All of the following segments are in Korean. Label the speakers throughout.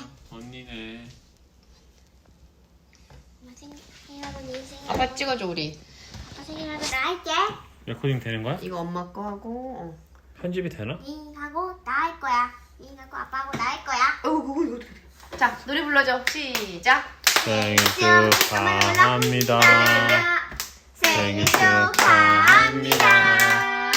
Speaker 1: 언니네.
Speaker 2: 생일하고 네 생일.
Speaker 3: 아빠 찍어줘 우리.
Speaker 2: 아빠 생일하고 나 할게.
Speaker 1: 레코딩 되는 거야?
Speaker 3: 이거 엄마 거 하고.
Speaker 1: 편집이 되나?
Speaker 2: 니하고 나 할 거야. 니하고 아빠하고 나 할 거야.
Speaker 3: 그거 어떻게 돼? 자 노래 불러줘. 시작.
Speaker 1: 생일 축하합니다. 생일 축하합니다.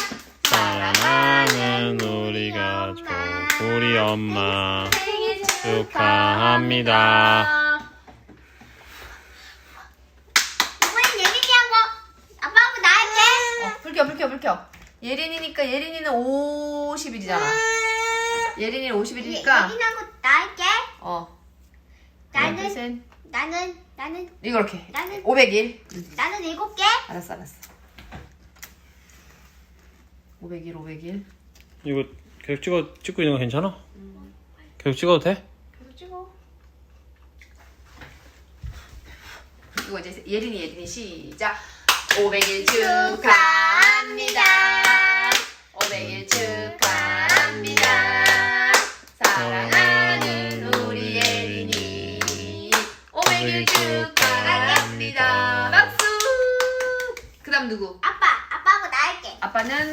Speaker 1: 사랑하는 우리 가족, 우리 엄마
Speaker 2: 생일
Speaker 1: 축하합니다.
Speaker 2: 이번엔 예린이하고 아빠하고 나 할게.
Speaker 3: 불켜. 예린이니까 예린이는 50일이잖아. 예린이는 50일이니까.
Speaker 2: 예린이하고 나 할게. 나는
Speaker 3: 이거 이렇게.
Speaker 2: 나는
Speaker 3: 500일.
Speaker 2: 나는 7개.
Speaker 3: 알았어. 500일.
Speaker 1: 이거 계속 찍고 있는 거 괜찮아? 계속 찍어도 돼?
Speaker 3: 계속 찍어. 이거 이제 예린이 시작. 500일 축하합니다. 500일 축하합니다. 사랑하는 우리 예린이 500일 축하합니다. 박수. 그 다음 누구?
Speaker 2: 아빠하고 나 할게.
Speaker 3: 아빠는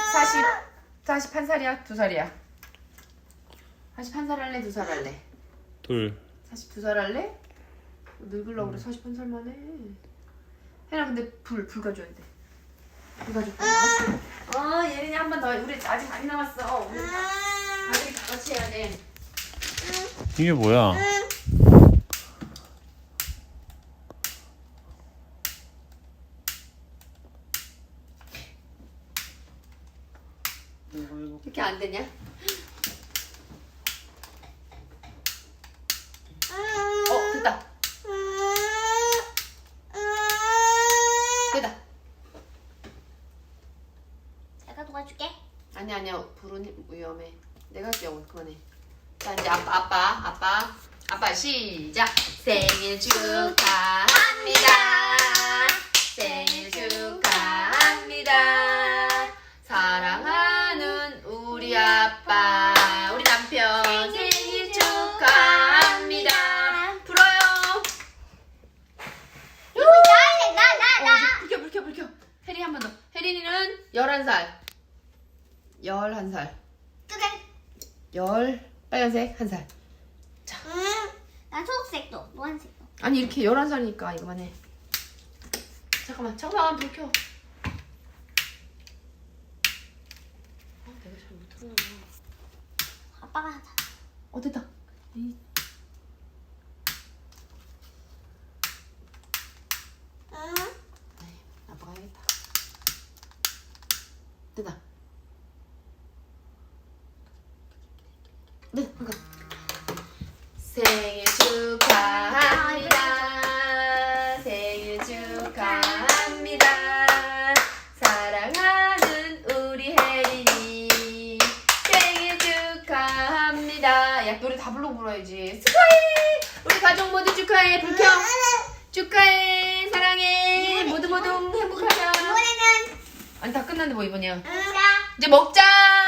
Speaker 3: 41살이야? 2살이야? 41살 할래? 2살 할래?
Speaker 1: 둘.
Speaker 3: 42살 할래? 늙으려고 그래. 41살만 해. 혜나 근데 불 가져야 돼. 불 가져야 돼. 예린이 한 번 더. 우리 아직 많이 남았어. 우리 가족이 다 같이 해야 돼.
Speaker 1: 이게 뭐야?
Speaker 3: 이렇게 안 되냐? 됐다. 됐다.
Speaker 2: 내가 도와줄게.
Speaker 3: 아니야. 불은 위험해. 내가 할게. 그만해. 자 이제 아빠 시작. 생일 축하합니다. 생일 축하합니다. 사랑하는 우리 아빠, 우리 남편 생일 축하합니다. 불어요.
Speaker 2: 이거 나 할래. 나.
Speaker 3: 불켜. 혜린이 한 번 더. 혜린이는 11살. 11살. 빨간색 1살.
Speaker 2: 나 초록색도, 노란색도.
Speaker 3: 아니 이렇게 11살이니까 이거만 해. 잠깐만 불 켜. 내가 잘 못하나.
Speaker 2: 아빠가 하자.
Speaker 3: 됐다. 아빠가 해야겠다. 됐다. 네, 잠깐. 생일 축하합니다. 생일 축하합니다. 사랑하는 우리 혜린이 생일 축하합니다. 야, 노래 다 불러야지. 축하해. 우리 가족 모두 축하해. 불 켜. 축하해. 사랑해. 모두 행복하자.
Speaker 2: 이번에는
Speaker 3: 아니 다 끝났는데 뭐 이번이야.
Speaker 2: 나.
Speaker 3: 이제 먹자.